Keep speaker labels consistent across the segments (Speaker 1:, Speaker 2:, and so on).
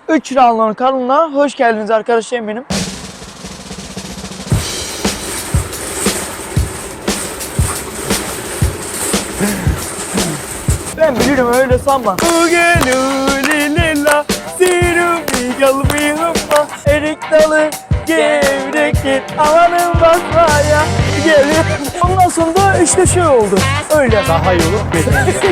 Speaker 1: 3 Ranlon kanalına hoş geldiniz arkadaşlarım benim. Ben bilirim öyle sanma. Ugelulilila sirumi galbihumma erik dalı gevrektir amanın basmaya geliyor. Ondan sonra da işte şey oldu. Öyle.
Speaker 2: Daha iyi olur.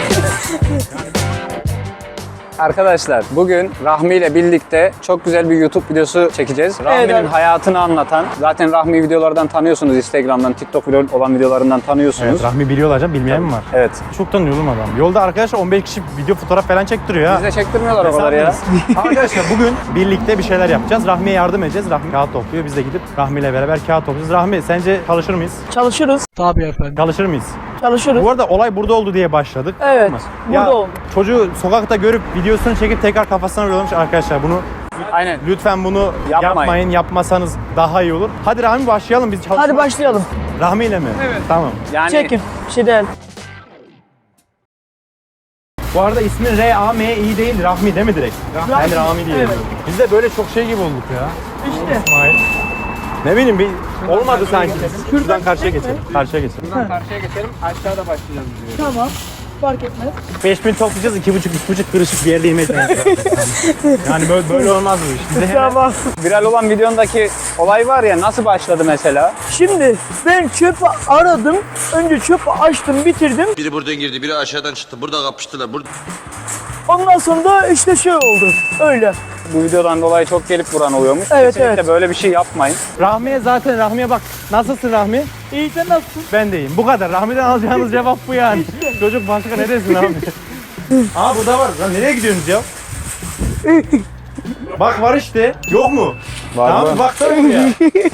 Speaker 2: Arkadaşlar bugün Rahmi ile birlikte çok güzel bir YouTube videosu çekeceğiz. Rahmi'nin
Speaker 1: Evet.
Speaker 2: hayatını anlatan, zaten Rahmi videolardan tanıyorsunuz, Instagram'dan, TikTok olan videolarından tanıyorsunuz.
Speaker 3: Evet, Rahmi biliyorlar canım, bilmeyen mi var?
Speaker 2: Evet.
Speaker 3: Çok tanıyorum adam. Yolda arkadaşlar 15 kişi video fotoğraf falan çektiriyor ha.
Speaker 2: Bize çektirmiyorlar o kadar ya.
Speaker 3: Arkadaşlar bugün birlikte bir şeyler yapacağız. Rahmi'ye yardım edeceğiz. Rahmi kağıt topluyor. Biz de gidip Rahmi ile beraber kağıt toplayacağız. Rahmi sence çalışır mıyız?
Speaker 1: Çalışırız. Tabii efendim.
Speaker 3: Çalışır mıyız?
Speaker 1: Çalışırız.
Speaker 3: Bu arada olay burada oldu diye başladık.
Speaker 1: Evet.
Speaker 3: Ama
Speaker 1: Burada oldu.
Speaker 3: Çocuğu sokakta görüp videosunu çekip tekrar kafasına vuruyormuş arkadaşlar. Bunu
Speaker 2: Aynen.
Speaker 3: lütfen bunu
Speaker 2: Yapmayın.
Speaker 3: yapmayın. Yapmasanız daha iyi olur. Hadi Rahmi başlayalım biz çalışmaya.
Speaker 1: Hadi başlayalım.
Speaker 3: Rahmi ile mi? Evet. Tamam.
Speaker 2: Yani
Speaker 1: Çekin. Bir şey değil.
Speaker 3: Bu arada ismin R-A-M-I değil, Rahmi değil mi direkt? Ben Rahmi diye
Speaker 1: Evet.
Speaker 3: yazıyorum. Biz de böyle çok şey gibi olduk ya.
Speaker 1: İşte.
Speaker 3: İsmail. Ne bileyim bir olmadı sanki. Şuradan karşıya geçelim. Karşıya geçelim.
Speaker 2: buradan karşıya geçelim, aşağıda başlayacağız diyor.
Speaker 1: Tamam. Fark etmez.
Speaker 3: 5000 toplayacağız, 2,5-3,5 kırışık bir yerde yemek lazım. Yani böyle olmaz bu iş. Bize hemen
Speaker 1: Tamam.
Speaker 2: Viral olan videondaki olay var ya, nasıl başladı mesela?
Speaker 1: Şimdi ben çöpü aradım. Önce çöpü açtım, bitirdim.
Speaker 4: Biri buradan girdi, biri aşağıdan çıktı. Burada kapıştılar. Burada
Speaker 1: Ondan sonra da işte şey oldu. Öyle.
Speaker 2: Bu videodan dolayı çok gelip vuran oluyormuş.
Speaker 1: Evet,
Speaker 2: Kesinlikle
Speaker 1: evet.
Speaker 2: böyle bir şey yapmayın.
Speaker 3: Rahmi'ye bak. Nasılsın Rahmi?
Speaker 1: İyi, sen nasılsın?
Speaker 3: Ben de iyiyim. Bu kadar. Rahmi'den alacağınız cevap bu yani. Çocuk başka ne desin Rahmi? Aa bu da var. Lan nereye gidiyorsunuz ya? Bak var işte. Yok mu?
Speaker 2: Var
Speaker 3: Tamam
Speaker 2: mı?
Speaker 3: baksana buraya.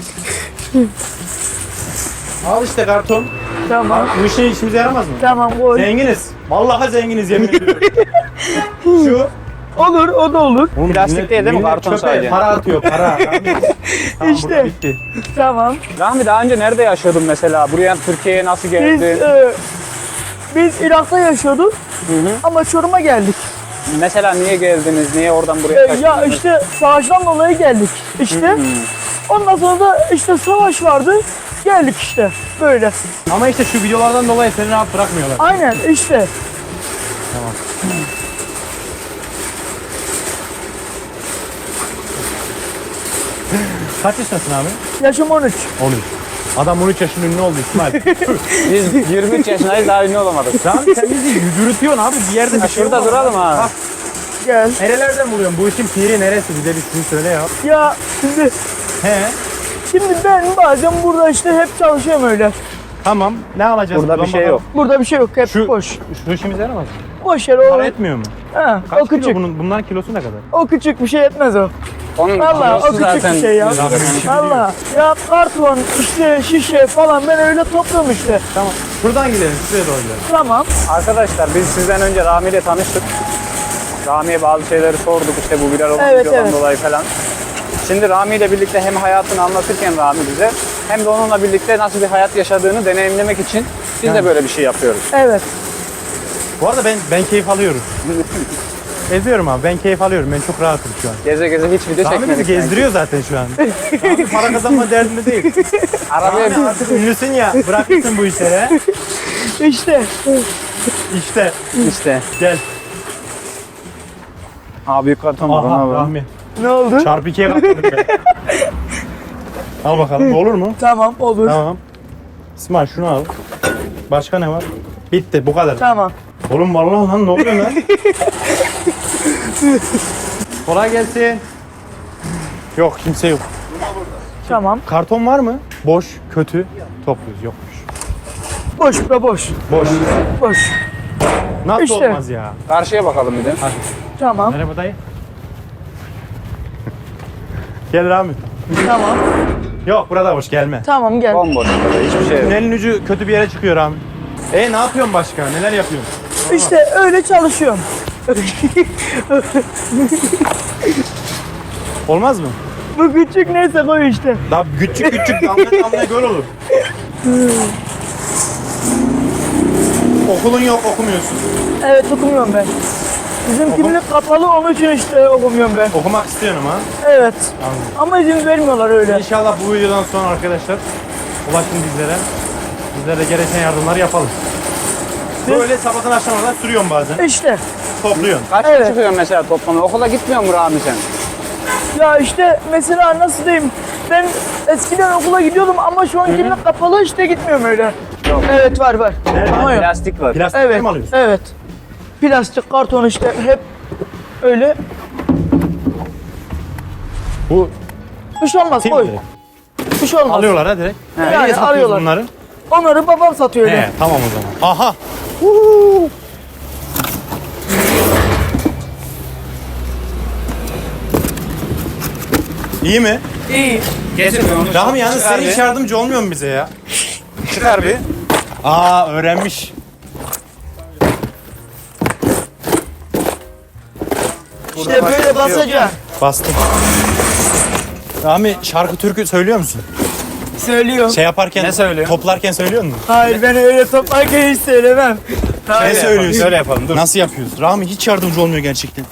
Speaker 3: Al işte karton.
Speaker 1: Tamam.
Speaker 3: Bu işe işimize yaramaz mı?
Speaker 1: Tamam, koy.
Speaker 3: Zenginiz. Vallahi zenginiz yemin ediyorum. Şu.
Speaker 1: Olur, o da olur.
Speaker 3: Oğlum,
Speaker 2: Plastik değil mi? Karton
Speaker 3: çöpe
Speaker 2: sadece.
Speaker 3: para atıyor para. Tamam,
Speaker 1: İşte.
Speaker 3: burada bitti.
Speaker 1: Tamam.
Speaker 2: Rahmi daha önce nerede yaşıyordun mesela? Buraya Türkiye'ye nasıl
Speaker 1: Biz,
Speaker 2: geldin?
Speaker 1: biz Irak'ta yaşıyorduk ama Çorum'a geldik.
Speaker 2: Mesela niye geldiniz? Niye oradan buraya
Speaker 1: Ya
Speaker 2: kaçtınız?
Speaker 1: işte savaştan dolayı geldik işte. Ondan sonra da işte savaş vardı. Geldik işte böyle.
Speaker 3: Ama işte şu videolardan dolayı seni rahat bırakmıyorlar.
Speaker 1: Aynen işte.
Speaker 3: Kaç yaşındasın abi?
Speaker 1: Yaşım 13.
Speaker 3: 13. Adam 13 yaşında ünlü oldu İsmail.
Speaker 2: Biz 23 yaşındayız, daha ünlü olamadık.
Speaker 3: Lan sen bizi yürütüyorsun abi bir yerde bir şey
Speaker 2: Şurada
Speaker 3: olmaz.
Speaker 2: duralım ha.
Speaker 3: Bak,
Speaker 1: Gel.
Speaker 3: nerelerden buluyorsun? Bu işin piri neresi? Bize bir şunu söyle ya.
Speaker 1: Ya
Speaker 3: He.
Speaker 1: şimdi ben bazen burada işte hep çalışıyorum öyle.
Speaker 3: Tamam. Ne alacağız?
Speaker 2: Burada bir
Speaker 3: buradan
Speaker 2: şey
Speaker 3: bakalım?
Speaker 2: yok.
Speaker 1: Burada bir şey yok, hep
Speaker 3: Şu-
Speaker 1: boş.
Speaker 3: Şu işimize yaramaz mı?
Speaker 1: Boş yer
Speaker 3: Para
Speaker 1: o.
Speaker 3: etmiyor mu?
Speaker 1: Ha,
Speaker 3: Kaç
Speaker 1: o küçük.
Speaker 3: kilo bunların kilosu ne kadar?
Speaker 1: O küçük bir şey etmez o.
Speaker 2: Onun
Speaker 1: Vallahi o
Speaker 2: kilosu
Speaker 1: küçük
Speaker 2: zaten
Speaker 1: bir şey ya. Allah. Ya karton, işte şişe falan ben öyle topluyorum işte.
Speaker 3: Tamam. Şuradan gidelim. Şuraya doğru gidelim.
Speaker 1: Tamam.
Speaker 2: Arkadaşlar biz sizden önce Rahmi ile tanıştık. Rahmi'ye bazı şeyleri sorduk, işte bu viral olan
Speaker 1: Evet,
Speaker 2: videodan
Speaker 1: evet.
Speaker 2: dolayı falan. Şimdi Rahmi ile birlikte hem hayatını anlatırken Rahmi bize, hem de onunla birlikte nasıl bir hayat yaşadığını deneyimlemek için biz de böyle bir şey yapıyoruz.
Speaker 1: Evet.
Speaker 3: Bu arada ben keyif alıyorum. Geziyorum abi. Ben keyif alıyorum. Ben çok rahatım şu an.
Speaker 2: Geze geze hiç video
Speaker 3: Rahmi
Speaker 2: çekmedik.
Speaker 3: bizi gezdiriyor zaten şu an. Rahmi para kazanma derdinde değil.
Speaker 2: Arabaya
Speaker 3: Rahmi artık ünlüsün ya. Bırakırsın bu işleri.
Speaker 1: İşte.
Speaker 3: İşte.
Speaker 2: işte.
Speaker 3: Gel.
Speaker 2: Aa, büyük karton var. ona
Speaker 3: Aha
Speaker 2: bak.
Speaker 3: Rahmi.
Speaker 1: Ne oldu?
Speaker 3: Çarpı 2'ye katladık be. Al bakalım. Olur mu?
Speaker 1: Tamam, olur.
Speaker 3: Tamam. İsmail şunu al. Başka ne var? Bitti. Bu kadar.
Speaker 1: Tamam.
Speaker 3: Oğlum vallahi lan ne oluyor lan? Kolay gelsin. Yok kimse yok.
Speaker 1: Tamam.
Speaker 3: Karton var mı? Boş, kötü. Topluyoruz. Yokmuş.
Speaker 1: Boş be boş.
Speaker 3: Boş.
Speaker 1: Boş.
Speaker 3: Nasıl
Speaker 1: İşte.
Speaker 3: olmaz ya?
Speaker 2: Karşıya bakalım bir de.
Speaker 1: Tamam.
Speaker 3: Merhaba dayı. Gel Rahmi.
Speaker 1: Tamam.
Speaker 3: Yok burada boş gelme.
Speaker 1: Tamam gel.
Speaker 2: Bomboş. Hiçbir şey yok.
Speaker 3: Tünelin ucu kötü bir yere çıkıyor Rahmi. Ne yapıyorsun başka? Neler yapıyorsun?
Speaker 1: İşte öyle çalışıyorum.
Speaker 3: Olmaz mı?
Speaker 1: Bu küçük neyse koy işte.
Speaker 3: Daha küçük damla damla göl olur. Okulun yok okumuyorsun.
Speaker 1: Evet, okumuyorum ben. Bizim kimlik kapalı, onun için işte okumuyorum ben.
Speaker 3: Okumak istiyorum ha.
Speaker 1: Evet.
Speaker 3: Anladım.
Speaker 1: Ama izin vermiyorlar öyle.
Speaker 3: İnşallah bu videodan sonra arkadaşlar ulaşın bizlere. Bizlere de gereken yardımları yapalım. Böyle sabahtan akşama kadar sürüyorum bazen.
Speaker 1: İşte.
Speaker 3: Topluyorsun.
Speaker 2: Kaç
Speaker 1: Evet.
Speaker 2: çıkıyorsun mesela toplamda? Okula gitmiyor mu Rami sen?
Speaker 1: Ya işte mesela nasıl diyeyim? Ben eskiden okula gidiyordum ama şu an kimlik kapalı, işte gitmiyorum öyle.
Speaker 2: Yok.
Speaker 1: Evet, var. Ama yok.
Speaker 2: Plastik var.
Speaker 3: Plastik
Speaker 1: Evet.
Speaker 3: mi alıyorsun?
Speaker 1: Evet. Plastik, karton işte hep öyle.
Speaker 3: Bu
Speaker 1: Bir şey olmaz,
Speaker 3: tim
Speaker 1: koy.
Speaker 3: direkt.
Speaker 1: Bir şey olmaz.
Speaker 3: Alıyorlar ha direkt.
Speaker 1: Yani
Speaker 3: Nereye satıyorsun
Speaker 1: alıyorlar.
Speaker 3: bunları?
Speaker 1: Onları babam satıyor öyle.
Speaker 3: He, tamam o zaman. Aha. İyi mi?
Speaker 1: İyi.
Speaker 2: Getir onu.
Speaker 3: Rahmi yalnız
Speaker 2: Çıkar
Speaker 3: sen hiç
Speaker 2: bir.
Speaker 3: yardımcı olmuyor mu bize ya?
Speaker 2: Çıkar bir.
Speaker 3: Aa öğrenmiş.
Speaker 1: İşte böyle basacaksın.
Speaker 3: Bastım. Rahmi şarkı türkü söylüyor musun?
Speaker 1: Söylüyorum.
Speaker 3: Şey yaparken,
Speaker 2: Ne söylüyorsun?
Speaker 3: toplarken söylüyor musun?
Speaker 1: Hayır, ben öyle toplarken hiç söylemem.
Speaker 3: Ne
Speaker 1: Hayır.
Speaker 3: söylüyorsun?
Speaker 2: Şöyle yapalım, dur.
Speaker 3: Nasıl yapıyoruz? Rahmi hiç yardımcı olmuyor gerçekten.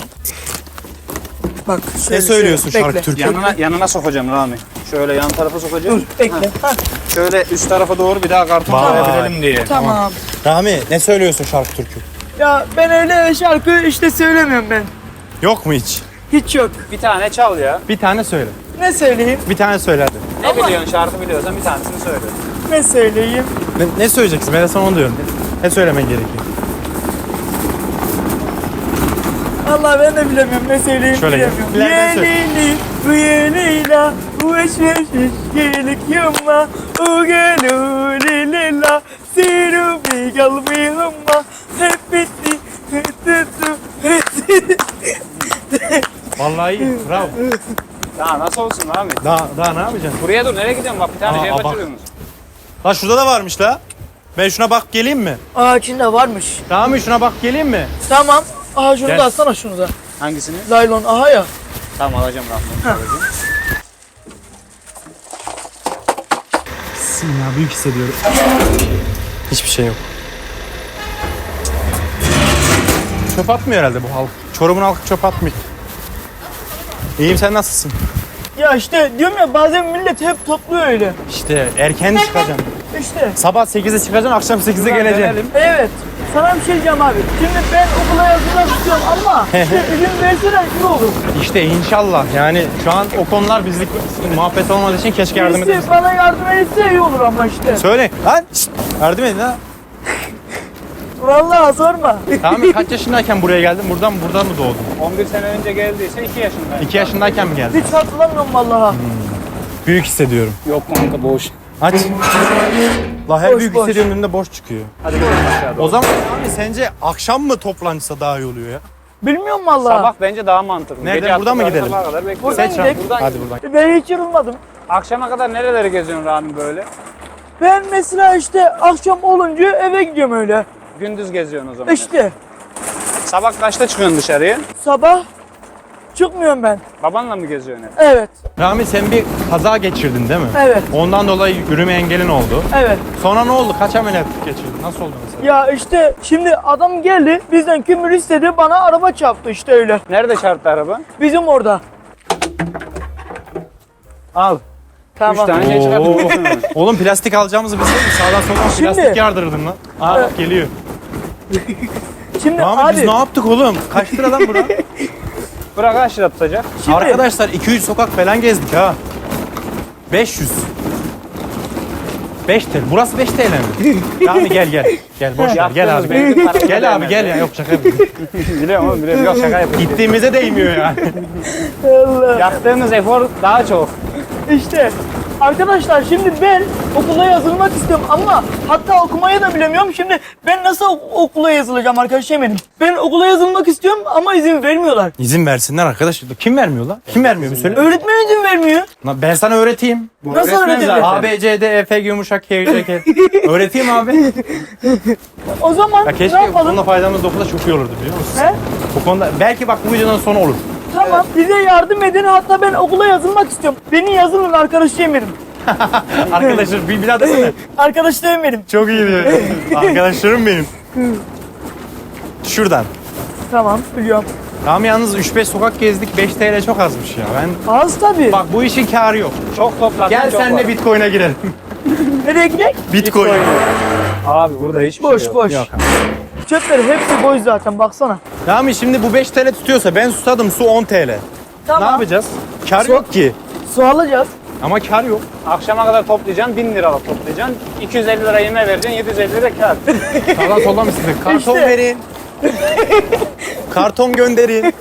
Speaker 1: Bak,
Speaker 3: Ne
Speaker 1: şöyle,
Speaker 3: söylüyorsun
Speaker 1: şöyle.
Speaker 3: şarkı
Speaker 1: Bekle.
Speaker 3: türkü?
Speaker 2: Yanına sokacağım Rami. Şöyle yan tarafa sokacağım.
Speaker 1: Dur, bekle. Ha,
Speaker 2: Şöyle üst tarafa doğru bir daha karton
Speaker 3: Vay.
Speaker 2: koyabilelim diye.
Speaker 1: tamam.
Speaker 3: Rahmi ne söylüyorsun şarkı türkü?
Speaker 1: Ya ben öyle şarkı işte söylemiyorum ben.
Speaker 3: Yok mu hiç?
Speaker 1: Hiç yok.
Speaker 2: Bir tane çal ya.
Speaker 3: Bir tane söyle.
Speaker 1: Ne söyleyeyim?
Speaker 3: Bir tane söyle hadi.
Speaker 2: Ne biliyorsun, şarkı biliyorsan bir tanesini söyle.
Speaker 1: Ne söyleyeyim?
Speaker 3: Ne söyleyeceksin? Ben de sana onu diyorum. Ne söylemen gerekiyor?
Speaker 1: Allah, ben de bilemiyorum, ne söyleyeyim
Speaker 3: Şöyle gel.
Speaker 1: bilemiyorum.
Speaker 3: Bilenler söyle.
Speaker 1: Yenili, bu yenila, bu eşleşiş, gelik yumma, u gelulilila, siru bir galbi humma, hep bitti,
Speaker 3: Vallahi iyi. Bravo.
Speaker 2: Daha nasıl olsun Rami?
Speaker 3: Daha ne yapacaksın?
Speaker 2: Buraya dur, nereye gidiyorsun? Bak bir tane
Speaker 3: Aa,
Speaker 2: şey
Speaker 3: bak.
Speaker 2: kaçırıyorsunuz.
Speaker 3: La şurada da varmış la. Ben şuna bak geleyim mi?
Speaker 1: Aa, içinde varmış.
Speaker 3: Rahmi şuna bak geleyim mi?
Speaker 1: Tamam. Aha, şunu
Speaker 3: Gel.
Speaker 1: da alsana, şunu da.
Speaker 2: Hangisini?
Speaker 1: Laylon, aha ya.
Speaker 2: Tamam alacağım Rami.
Speaker 3: Ya büyük hissediyorum. Hiçbir şey yok. Çöp atmıyor herhalde bu halk. Çorum'un halkı çöp atmıyor. İyiyim, sen nasılsın?
Speaker 1: Ya işte diyorum ya, bazen millet hep topluyor öyle.
Speaker 3: İşte erken çıkacaksın.
Speaker 1: İşte.
Speaker 3: Sabah 8'de çıkacaksın, akşam 8'de geleceksin.
Speaker 2: Dönelim.
Speaker 1: Evet. Sana bir şey diyeceğim abi. Şimdi ben okula yazılmak istiyorum ama işte izin verseler iyi olur.
Speaker 3: İşte inşallah yani şu an o konular bizlik muhabbet olmadığı için keşke yardım
Speaker 1: Birisi
Speaker 3: edebilsin.
Speaker 1: bana yardım etse iyi olur ama işte.
Speaker 3: Söyle lan şşt, yardım edin ha.
Speaker 1: Vallahi sorma.
Speaker 3: Tamam kaç yaşındayken buraya geldin? Burada mı doğdun?
Speaker 2: 11 sene önce geldiyse 2 yaşındayım.
Speaker 3: 2 yaşındayken mi geldin?
Speaker 1: Hiç hatırlamıyorum vallahi.
Speaker 3: Büyük hissediyorum.
Speaker 2: Yok kanka boş.
Speaker 3: Aç. La her
Speaker 1: Boş,
Speaker 3: büyük
Speaker 1: boş.
Speaker 3: hissediyorum önünde boş çıkıyor.
Speaker 2: Hadi gidelim aşağıda.
Speaker 3: O zaman abi sence akşam mı toplansa daha iyi oluyor ya?
Speaker 1: Bilmiyorum vallahi.
Speaker 2: Sabah bence daha mantıklı.
Speaker 3: Nereden,
Speaker 2: Gece
Speaker 3: buradan mı
Speaker 2: attıkları
Speaker 3: gidelim?
Speaker 2: sabaha kadar bekliyoruz.
Speaker 1: Buradan
Speaker 3: Seç
Speaker 1: gidelim.
Speaker 3: Rahmi. Hadi buradan.
Speaker 1: Ben hiç yorulmadım.
Speaker 2: Akşama kadar nereleri geziyorsun Rami böyle?
Speaker 1: Ben mesela işte akşam olunca eve gidiyorum öyle.
Speaker 2: Gündüz geziyorsun o zaman.
Speaker 1: İşte
Speaker 2: Sabah kaçta çıkıyorsun dışarıya?
Speaker 1: sabah çıkmıyorum ben.
Speaker 2: Babanla mı geziyorsun hep?
Speaker 1: Evet,
Speaker 3: Rahmi sen bir kaza geçirdin değil mi?
Speaker 1: evet,
Speaker 3: Ondan dolayı yürüme engelin oldu.
Speaker 1: evet.
Speaker 3: Sonra ne oldu? Kaç ameliyat geçirdin? Nasıl oldu mesela?
Speaker 1: Ya işte şimdi adam geldi, bizden kömür istedi, bana araba çarptı işte öyle.
Speaker 2: Nerede çarptı araba?
Speaker 1: Bizim orada.
Speaker 2: Al. 3
Speaker 1: Tamam.
Speaker 2: tane şey çıkarttın.
Speaker 3: Oğlum plastik alacağımızı bilseydik sağdan soldan
Speaker 1: Şimdi-
Speaker 3: plastik yardırırdın lan. Aa bak geliyor.
Speaker 1: Şimdi
Speaker 3: Rahmi biz
Speaker 1: abi,
Speaker 3: ne yaptık oğlum? Kaç lira lan bura?
Speaker 2: Bırak kaç lira tutacak?
Speaker 1: şimdi
Speaker 3: Arkadaşlar 2-3 sokak falan gezdik ha. 500. 5 TL. Burası 5 TL mi? Rahmi gel. Gel boş ver. Gel
Speaker 2: Yaptığımız
Speaker 3: abi.
Speaker 2: benzin parası
Speaker 3: Gel abi
Speaker 2: vermez
Speaker 3: gel ya. Yok şaka yapıyorum.
Speaker 2: Biliyorum oğlum biliyorum. Yok şaka yapıyorum.
Speaker 3: Gittiğimize değmiyor yani.
Speaker 1: Allah.
Speaker 2: Yaptığımız efor daha çok.
Speaker 1: İşte arkadaşlar şimdi ben okula yazılmak istiyorum ama hatta okumayı da bilemiyorum. Şimdi ben nasıl okula yazılacağım arkadaşım benim? Ben okula yazılmak istiyorum ama izin vermiyorlar.
Speaker 3: İzin versinler arkadaş. Kim vermiyor lan? Kim vermiyor bir söyle.
Speaker 1: Öğretmen izin vermiyor.
Speaker 3: Lan ben sana öğreteyim.
Speaker 1: Nasıl
Speaker 2: Öğretmen
Speaker 1: öğreteceğim?
Speaker 2: zaten.
Speaker 3: A, B, C, D, E, F, G, yumuşak, K, J, K. Öğreteyim abi.
Speaker 1: O zaman
Speaker 3: Ya
Speaker 1: ne
Speaker 3: keşke bu
Speaker 1: yapalım?
Speaker 3: konuda faydamız dokunsa çok iyi olurdu biliyor musun?
Speaker 1: He?
Speaker 3: Bu konuda belki bak bu videodan sonra olur.
Speaker 1: Tamam, bize yardım edin, hatta ben okula yazılmak istiyorum. Beni yazılın arkadaşım benim.
Speaker 3: Arkadaşlar bir daha desene.
Speaker 1: Arkadaşlarım benim.
Speaker 3: Çok iyi diyor. Arkadaşlarım benim. Şuradan.
Speaker 1: Tamam biliyorum.
Speaker 3: Rami yalnız 3-5 sokak gezdik, 5 TL çok azmış ya. Ben
Speaker 1: Az tabii.
Speaker 3: bak bu işin kârı yok.
Speaker 2: Çok topladın.
Speaker 3: Gel
Speaker 2: çok
Speaker 3: senle
Speaker 2: var.
Speaker 3: Bitcoin'e girelim.
Speaker 1: Nereye gidelim?
Speaker 3: Bitcoin.
Speaker 2: Abi burada hiçbir
Speaker 1: Boş
Speaker 2: şey yok.
Speaker 1: boş.
Speaker 3: Yok.
Speaker 1: Çöpleri hepsi boş zaten baksana.
Speaker 3: Rami şimdi bu 5 TL tutuyorsa ben susadım, su 10 TL.
Speaker 1: Tamam.
Speaker 3: Ne yapacağız? Kar
Speaker 1: Su-
Speaker 3: yok ki.
Speaker 1: Su alacağız.
Speaker 3: Ama kar yok.
Speaker 2: Akşama kadar toplayacaksın, 1000 liralık toplayacaksın. 250 lira yeme vereceksin, 750 lira kar.
Speaker 3: Sağdan soldan mı sizin? Karton
Speaker 1: İşte.
Speaker 3: verin. Karton gönderin.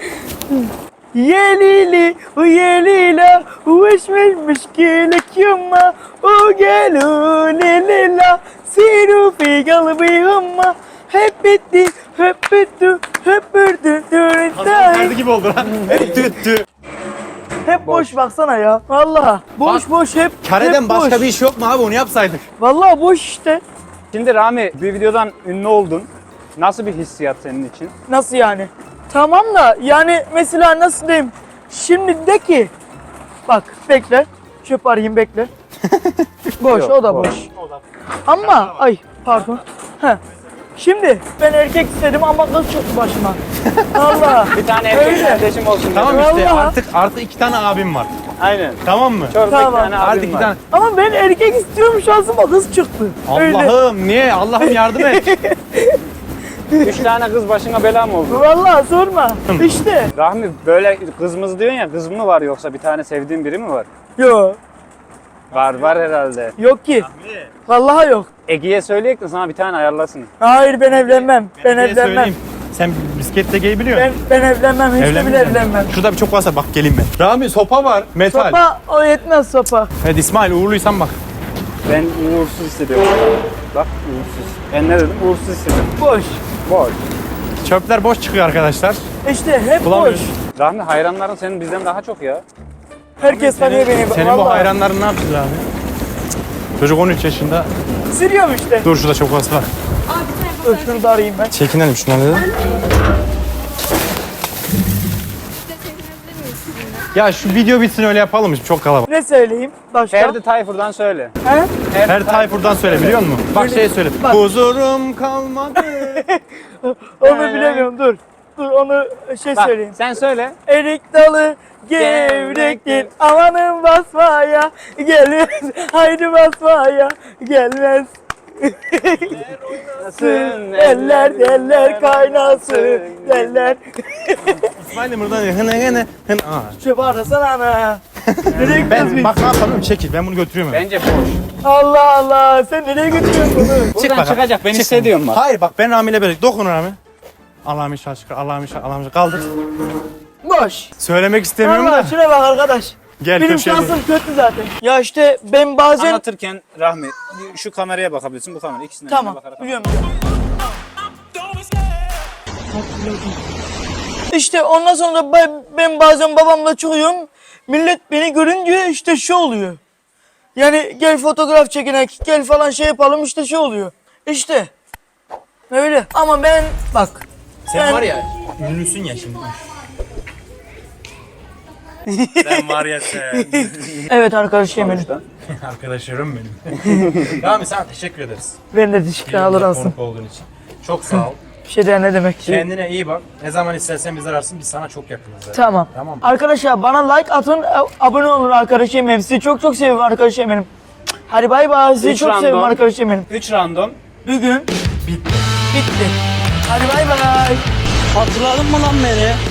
Speaker 1: Yelili, yelila, ulaşmış gelek yuma, o gelu lelila, siru fi galbi huma, hep bitti, hep bitti, hep bitti,
Speaker 3: Nerede gibi oldu lan. Tüttü.
Speaker 1: hep boş baksana ya, vallahi boş
Speaker 3: Bak,
Speaker 1: boş hep.
Speaker 3: Kar eden
Speaker 1: hep
Speaker 3: başka
Speaker 1: boş.
Speaker 3: bir iş yok mu abi, onu yapsaydık?
Speaker 1: Vallahi boş işte.
Speaker 2: Şimdi Rami, bir videodan ünlü oldun. Nasıl bir hissiyat senin için?
Speaker 1: Nasıl yani? Tamam da yani mesela nasıl diyeyim? Şimdi de ki bak bekle. Çöp arayayım bekle. Boş
Speaker 2: Yok,
Speaker 1: o da
Speaker 2: boş.
Speaker 1: boş. Ama ay pardon. Heh. Şimdi ben erkek istedim ama kız çıktı başıma. Allah.
Speaker 2: Bir tane erkek
Speaker 1: Öyle.
Speaker 2: kardeşim olsun
Speaker 3: Tamam
Speaker 2: dedim.
Speaker 3: işte
Speaker 1: Vallahi.
Speaker 3: artık 2 tane abim var.
Speaker 2: Aynen.
Speaker 3: Tamam mı?
Speaker 2: Çorba
Speaker 1: Tamam.
Speaker 2: 2 tane abim
Speaker 3: Artık 2
Speaker 2: var.
Speaker 3: tane.
Speaker 1: Ama ben erkek istiyorum şansıma kız çıktı. Öyle.
Speaker 3: Allah'ım niye? Allah'ım yardım et.
Speaker 2: 3 tane kız başına bela mı oldu?
Speaker 1: Vallahi sorma. İşte.
Speaker 2: Rahmi böyle kızımız diyorsun ya, kız mı var yoksa bir tane sevdiğin biri mi var?
Speaker 1: Yok.
Speaker 2: Var herhalde.
Speaker 1: Yok ki. Vallahi yok.
Speaker 2: Ege'ye söyleyek de sana bir tane ayarlasın.
Speaker 1: Hayır ben evlenmem. Ben
Speaker 3: Bir şey
Speaker 1: evlenmem.
Speaker 3: söyleyeyim. Sen bisiklet tekeyi biliyor musun?
Speaker 1: Ben evlenmem. Hiç de bile
Speaker 3: Evlenmeyeceksin.
Speaker 1: evlenmem.
Speaker 3: Şurada bir çok varsa bak geleyim ben. Rami sopa var. Metal.
Speaker 1: Sopa o yetmez sopa.
Speaker 3: Evet İsmail uğurluysan bak.
Speaker 2: Ben uğursuz hissediyorum. Bak uğursuz. Ben ne dedim? Uğursuz hissediyorum.
Speaker 1: Boş.
Speaker 2: Boş.
Speaker 3: Çöpler boş çıkıyor arkadaşlar.
Speaker 1: İşte hep boş.
Speaker 3: Bulamıyoruz.
Speaker 2: Rahmi hayranların senin bizden daha çok ya.
Speaker 1: Herkes tanıyor beni.
Speaker 3: Senin bu
Speaker 1: Vallahi.
Speaker 3: hayranların ne yapacağız abi? Çocuk 13 yaşında.
Speaker 1: Sürüyorum işte.
Speaker 3: Dur şurada çok az var.
Speaker 1: Dur şunu da arayayım ben.
Speaker 3: Çekinelim şundan dedim. Ya şu video bitsin öyle yapalım mı? Çok kalabalık.
Speaker 1: Ne söyleyeyim? Başka?
Speaker 2: Ferdi Tayfur'dan söyle.
Speaker 1: He?
Speaker 3: Her Tayfur'dan söyle biliyor musun? Bak
Speaker 1: Öyle-
Speaker 3: şey söyle.
Speaker 1: Bak.
Speaker 3: Huzurum kalmadı.
Speaker 1: Onu bilemiyorum dur. Dur onu
Speaker 2: Bak
Speaker 1: söyleyeyim.
Speaker 2: sen söyle.
Speaker 1: Erik dalı gevrektir. Amanın basmaya gelmez. Haydi basmaya gelmez. Eller kaynasın eller.
Speaker 3: İsmail'im buradan hın hın hın. Aa.
Speaker 1: Çöp arasana ana. Nereye gidiyoruz
Speaker 3: Ben
Speaker 1: biz?
Speaker 3: bak ne yapalım çekil ben bunu götürüyorum. eve.
Speaker 2: Bence boş.
Speaker 1: Allah Allah sen nereye götürüyorsun bunu?
Speaker 2: Buradan
Speaker 3: bakalım.
Speaker 2: çıkacak ben
Speaker 3: Çık.
Speaker 2: hissediyorum bak.
Speaker 3: Hayır bak ben Rami ile birlikte dokun Rami. Allah'ım inşallah şükür Allah'ım inşallah Allah'ım inşallah kaldır.
Speaker 1: Boş.
Speaker 3: Söylemek istemiyorum
Speaker 1: Allah
Speaker 3: da.
Speaker 1: şuna bak arkadaş.
Speaker 3: Gel
Speaker 1: Benim
Speaker 3: köşeye.
Speaker 1: şansım kötü zaten. Ya işte ben bazen...
Speaker 2: Anlatırken Rahmi şu kameraya bakabilirsin, bu kamera ikisinden
Speaker 1: Tamam
Speaker 2: bakarak.
Speaker 1: biliyorum. İşte ondan sonra ben bazen babamla çıkıyorum. Millet beni görünce işte şu oluyor. Yani gel fotoğraf çekinek, gel falan şey yapalım işte şey oluyor. İşte. Öyle. Ama ben bak.
Speaker 3: Sen var ya ünlüsün ya şimdi. Sen var ya sen.
Speaker 1: Evet arkadaşım benim.
Speaker 3: Arkadaşlarım benim. Rami sana teşekkür ederiz.
Speaker 1: Ben de teşekkür alır alsın.
Speaker 3: Konuk olduğun için. Çok sağ ol.
Speaker 1: Bir şey de ne demek.
Speaker 3: Kendine iyi bak. Ne zaman istersen bizi ararsın. Biz sana çok yakınız. zaten.
Speaker 1: Tamam.
Speaker 3: Tamam.
Speaker 1: Arkadaşlar bana like atın, abone olun arkadaşım benim. Sizi çok seviyorum arkadaşım benim. Hadi bay bay. Sizi
Speaker 2: Üç
Speaker 1: çok
Speaker 2: random.
Speaker 1: seviyorum arkadaşım benim.
Speaker 2: 3 random.
Speaker 1: Bugün bitti. Hadi bay bay.
Speaker 5: Hatırladın mı lan beni?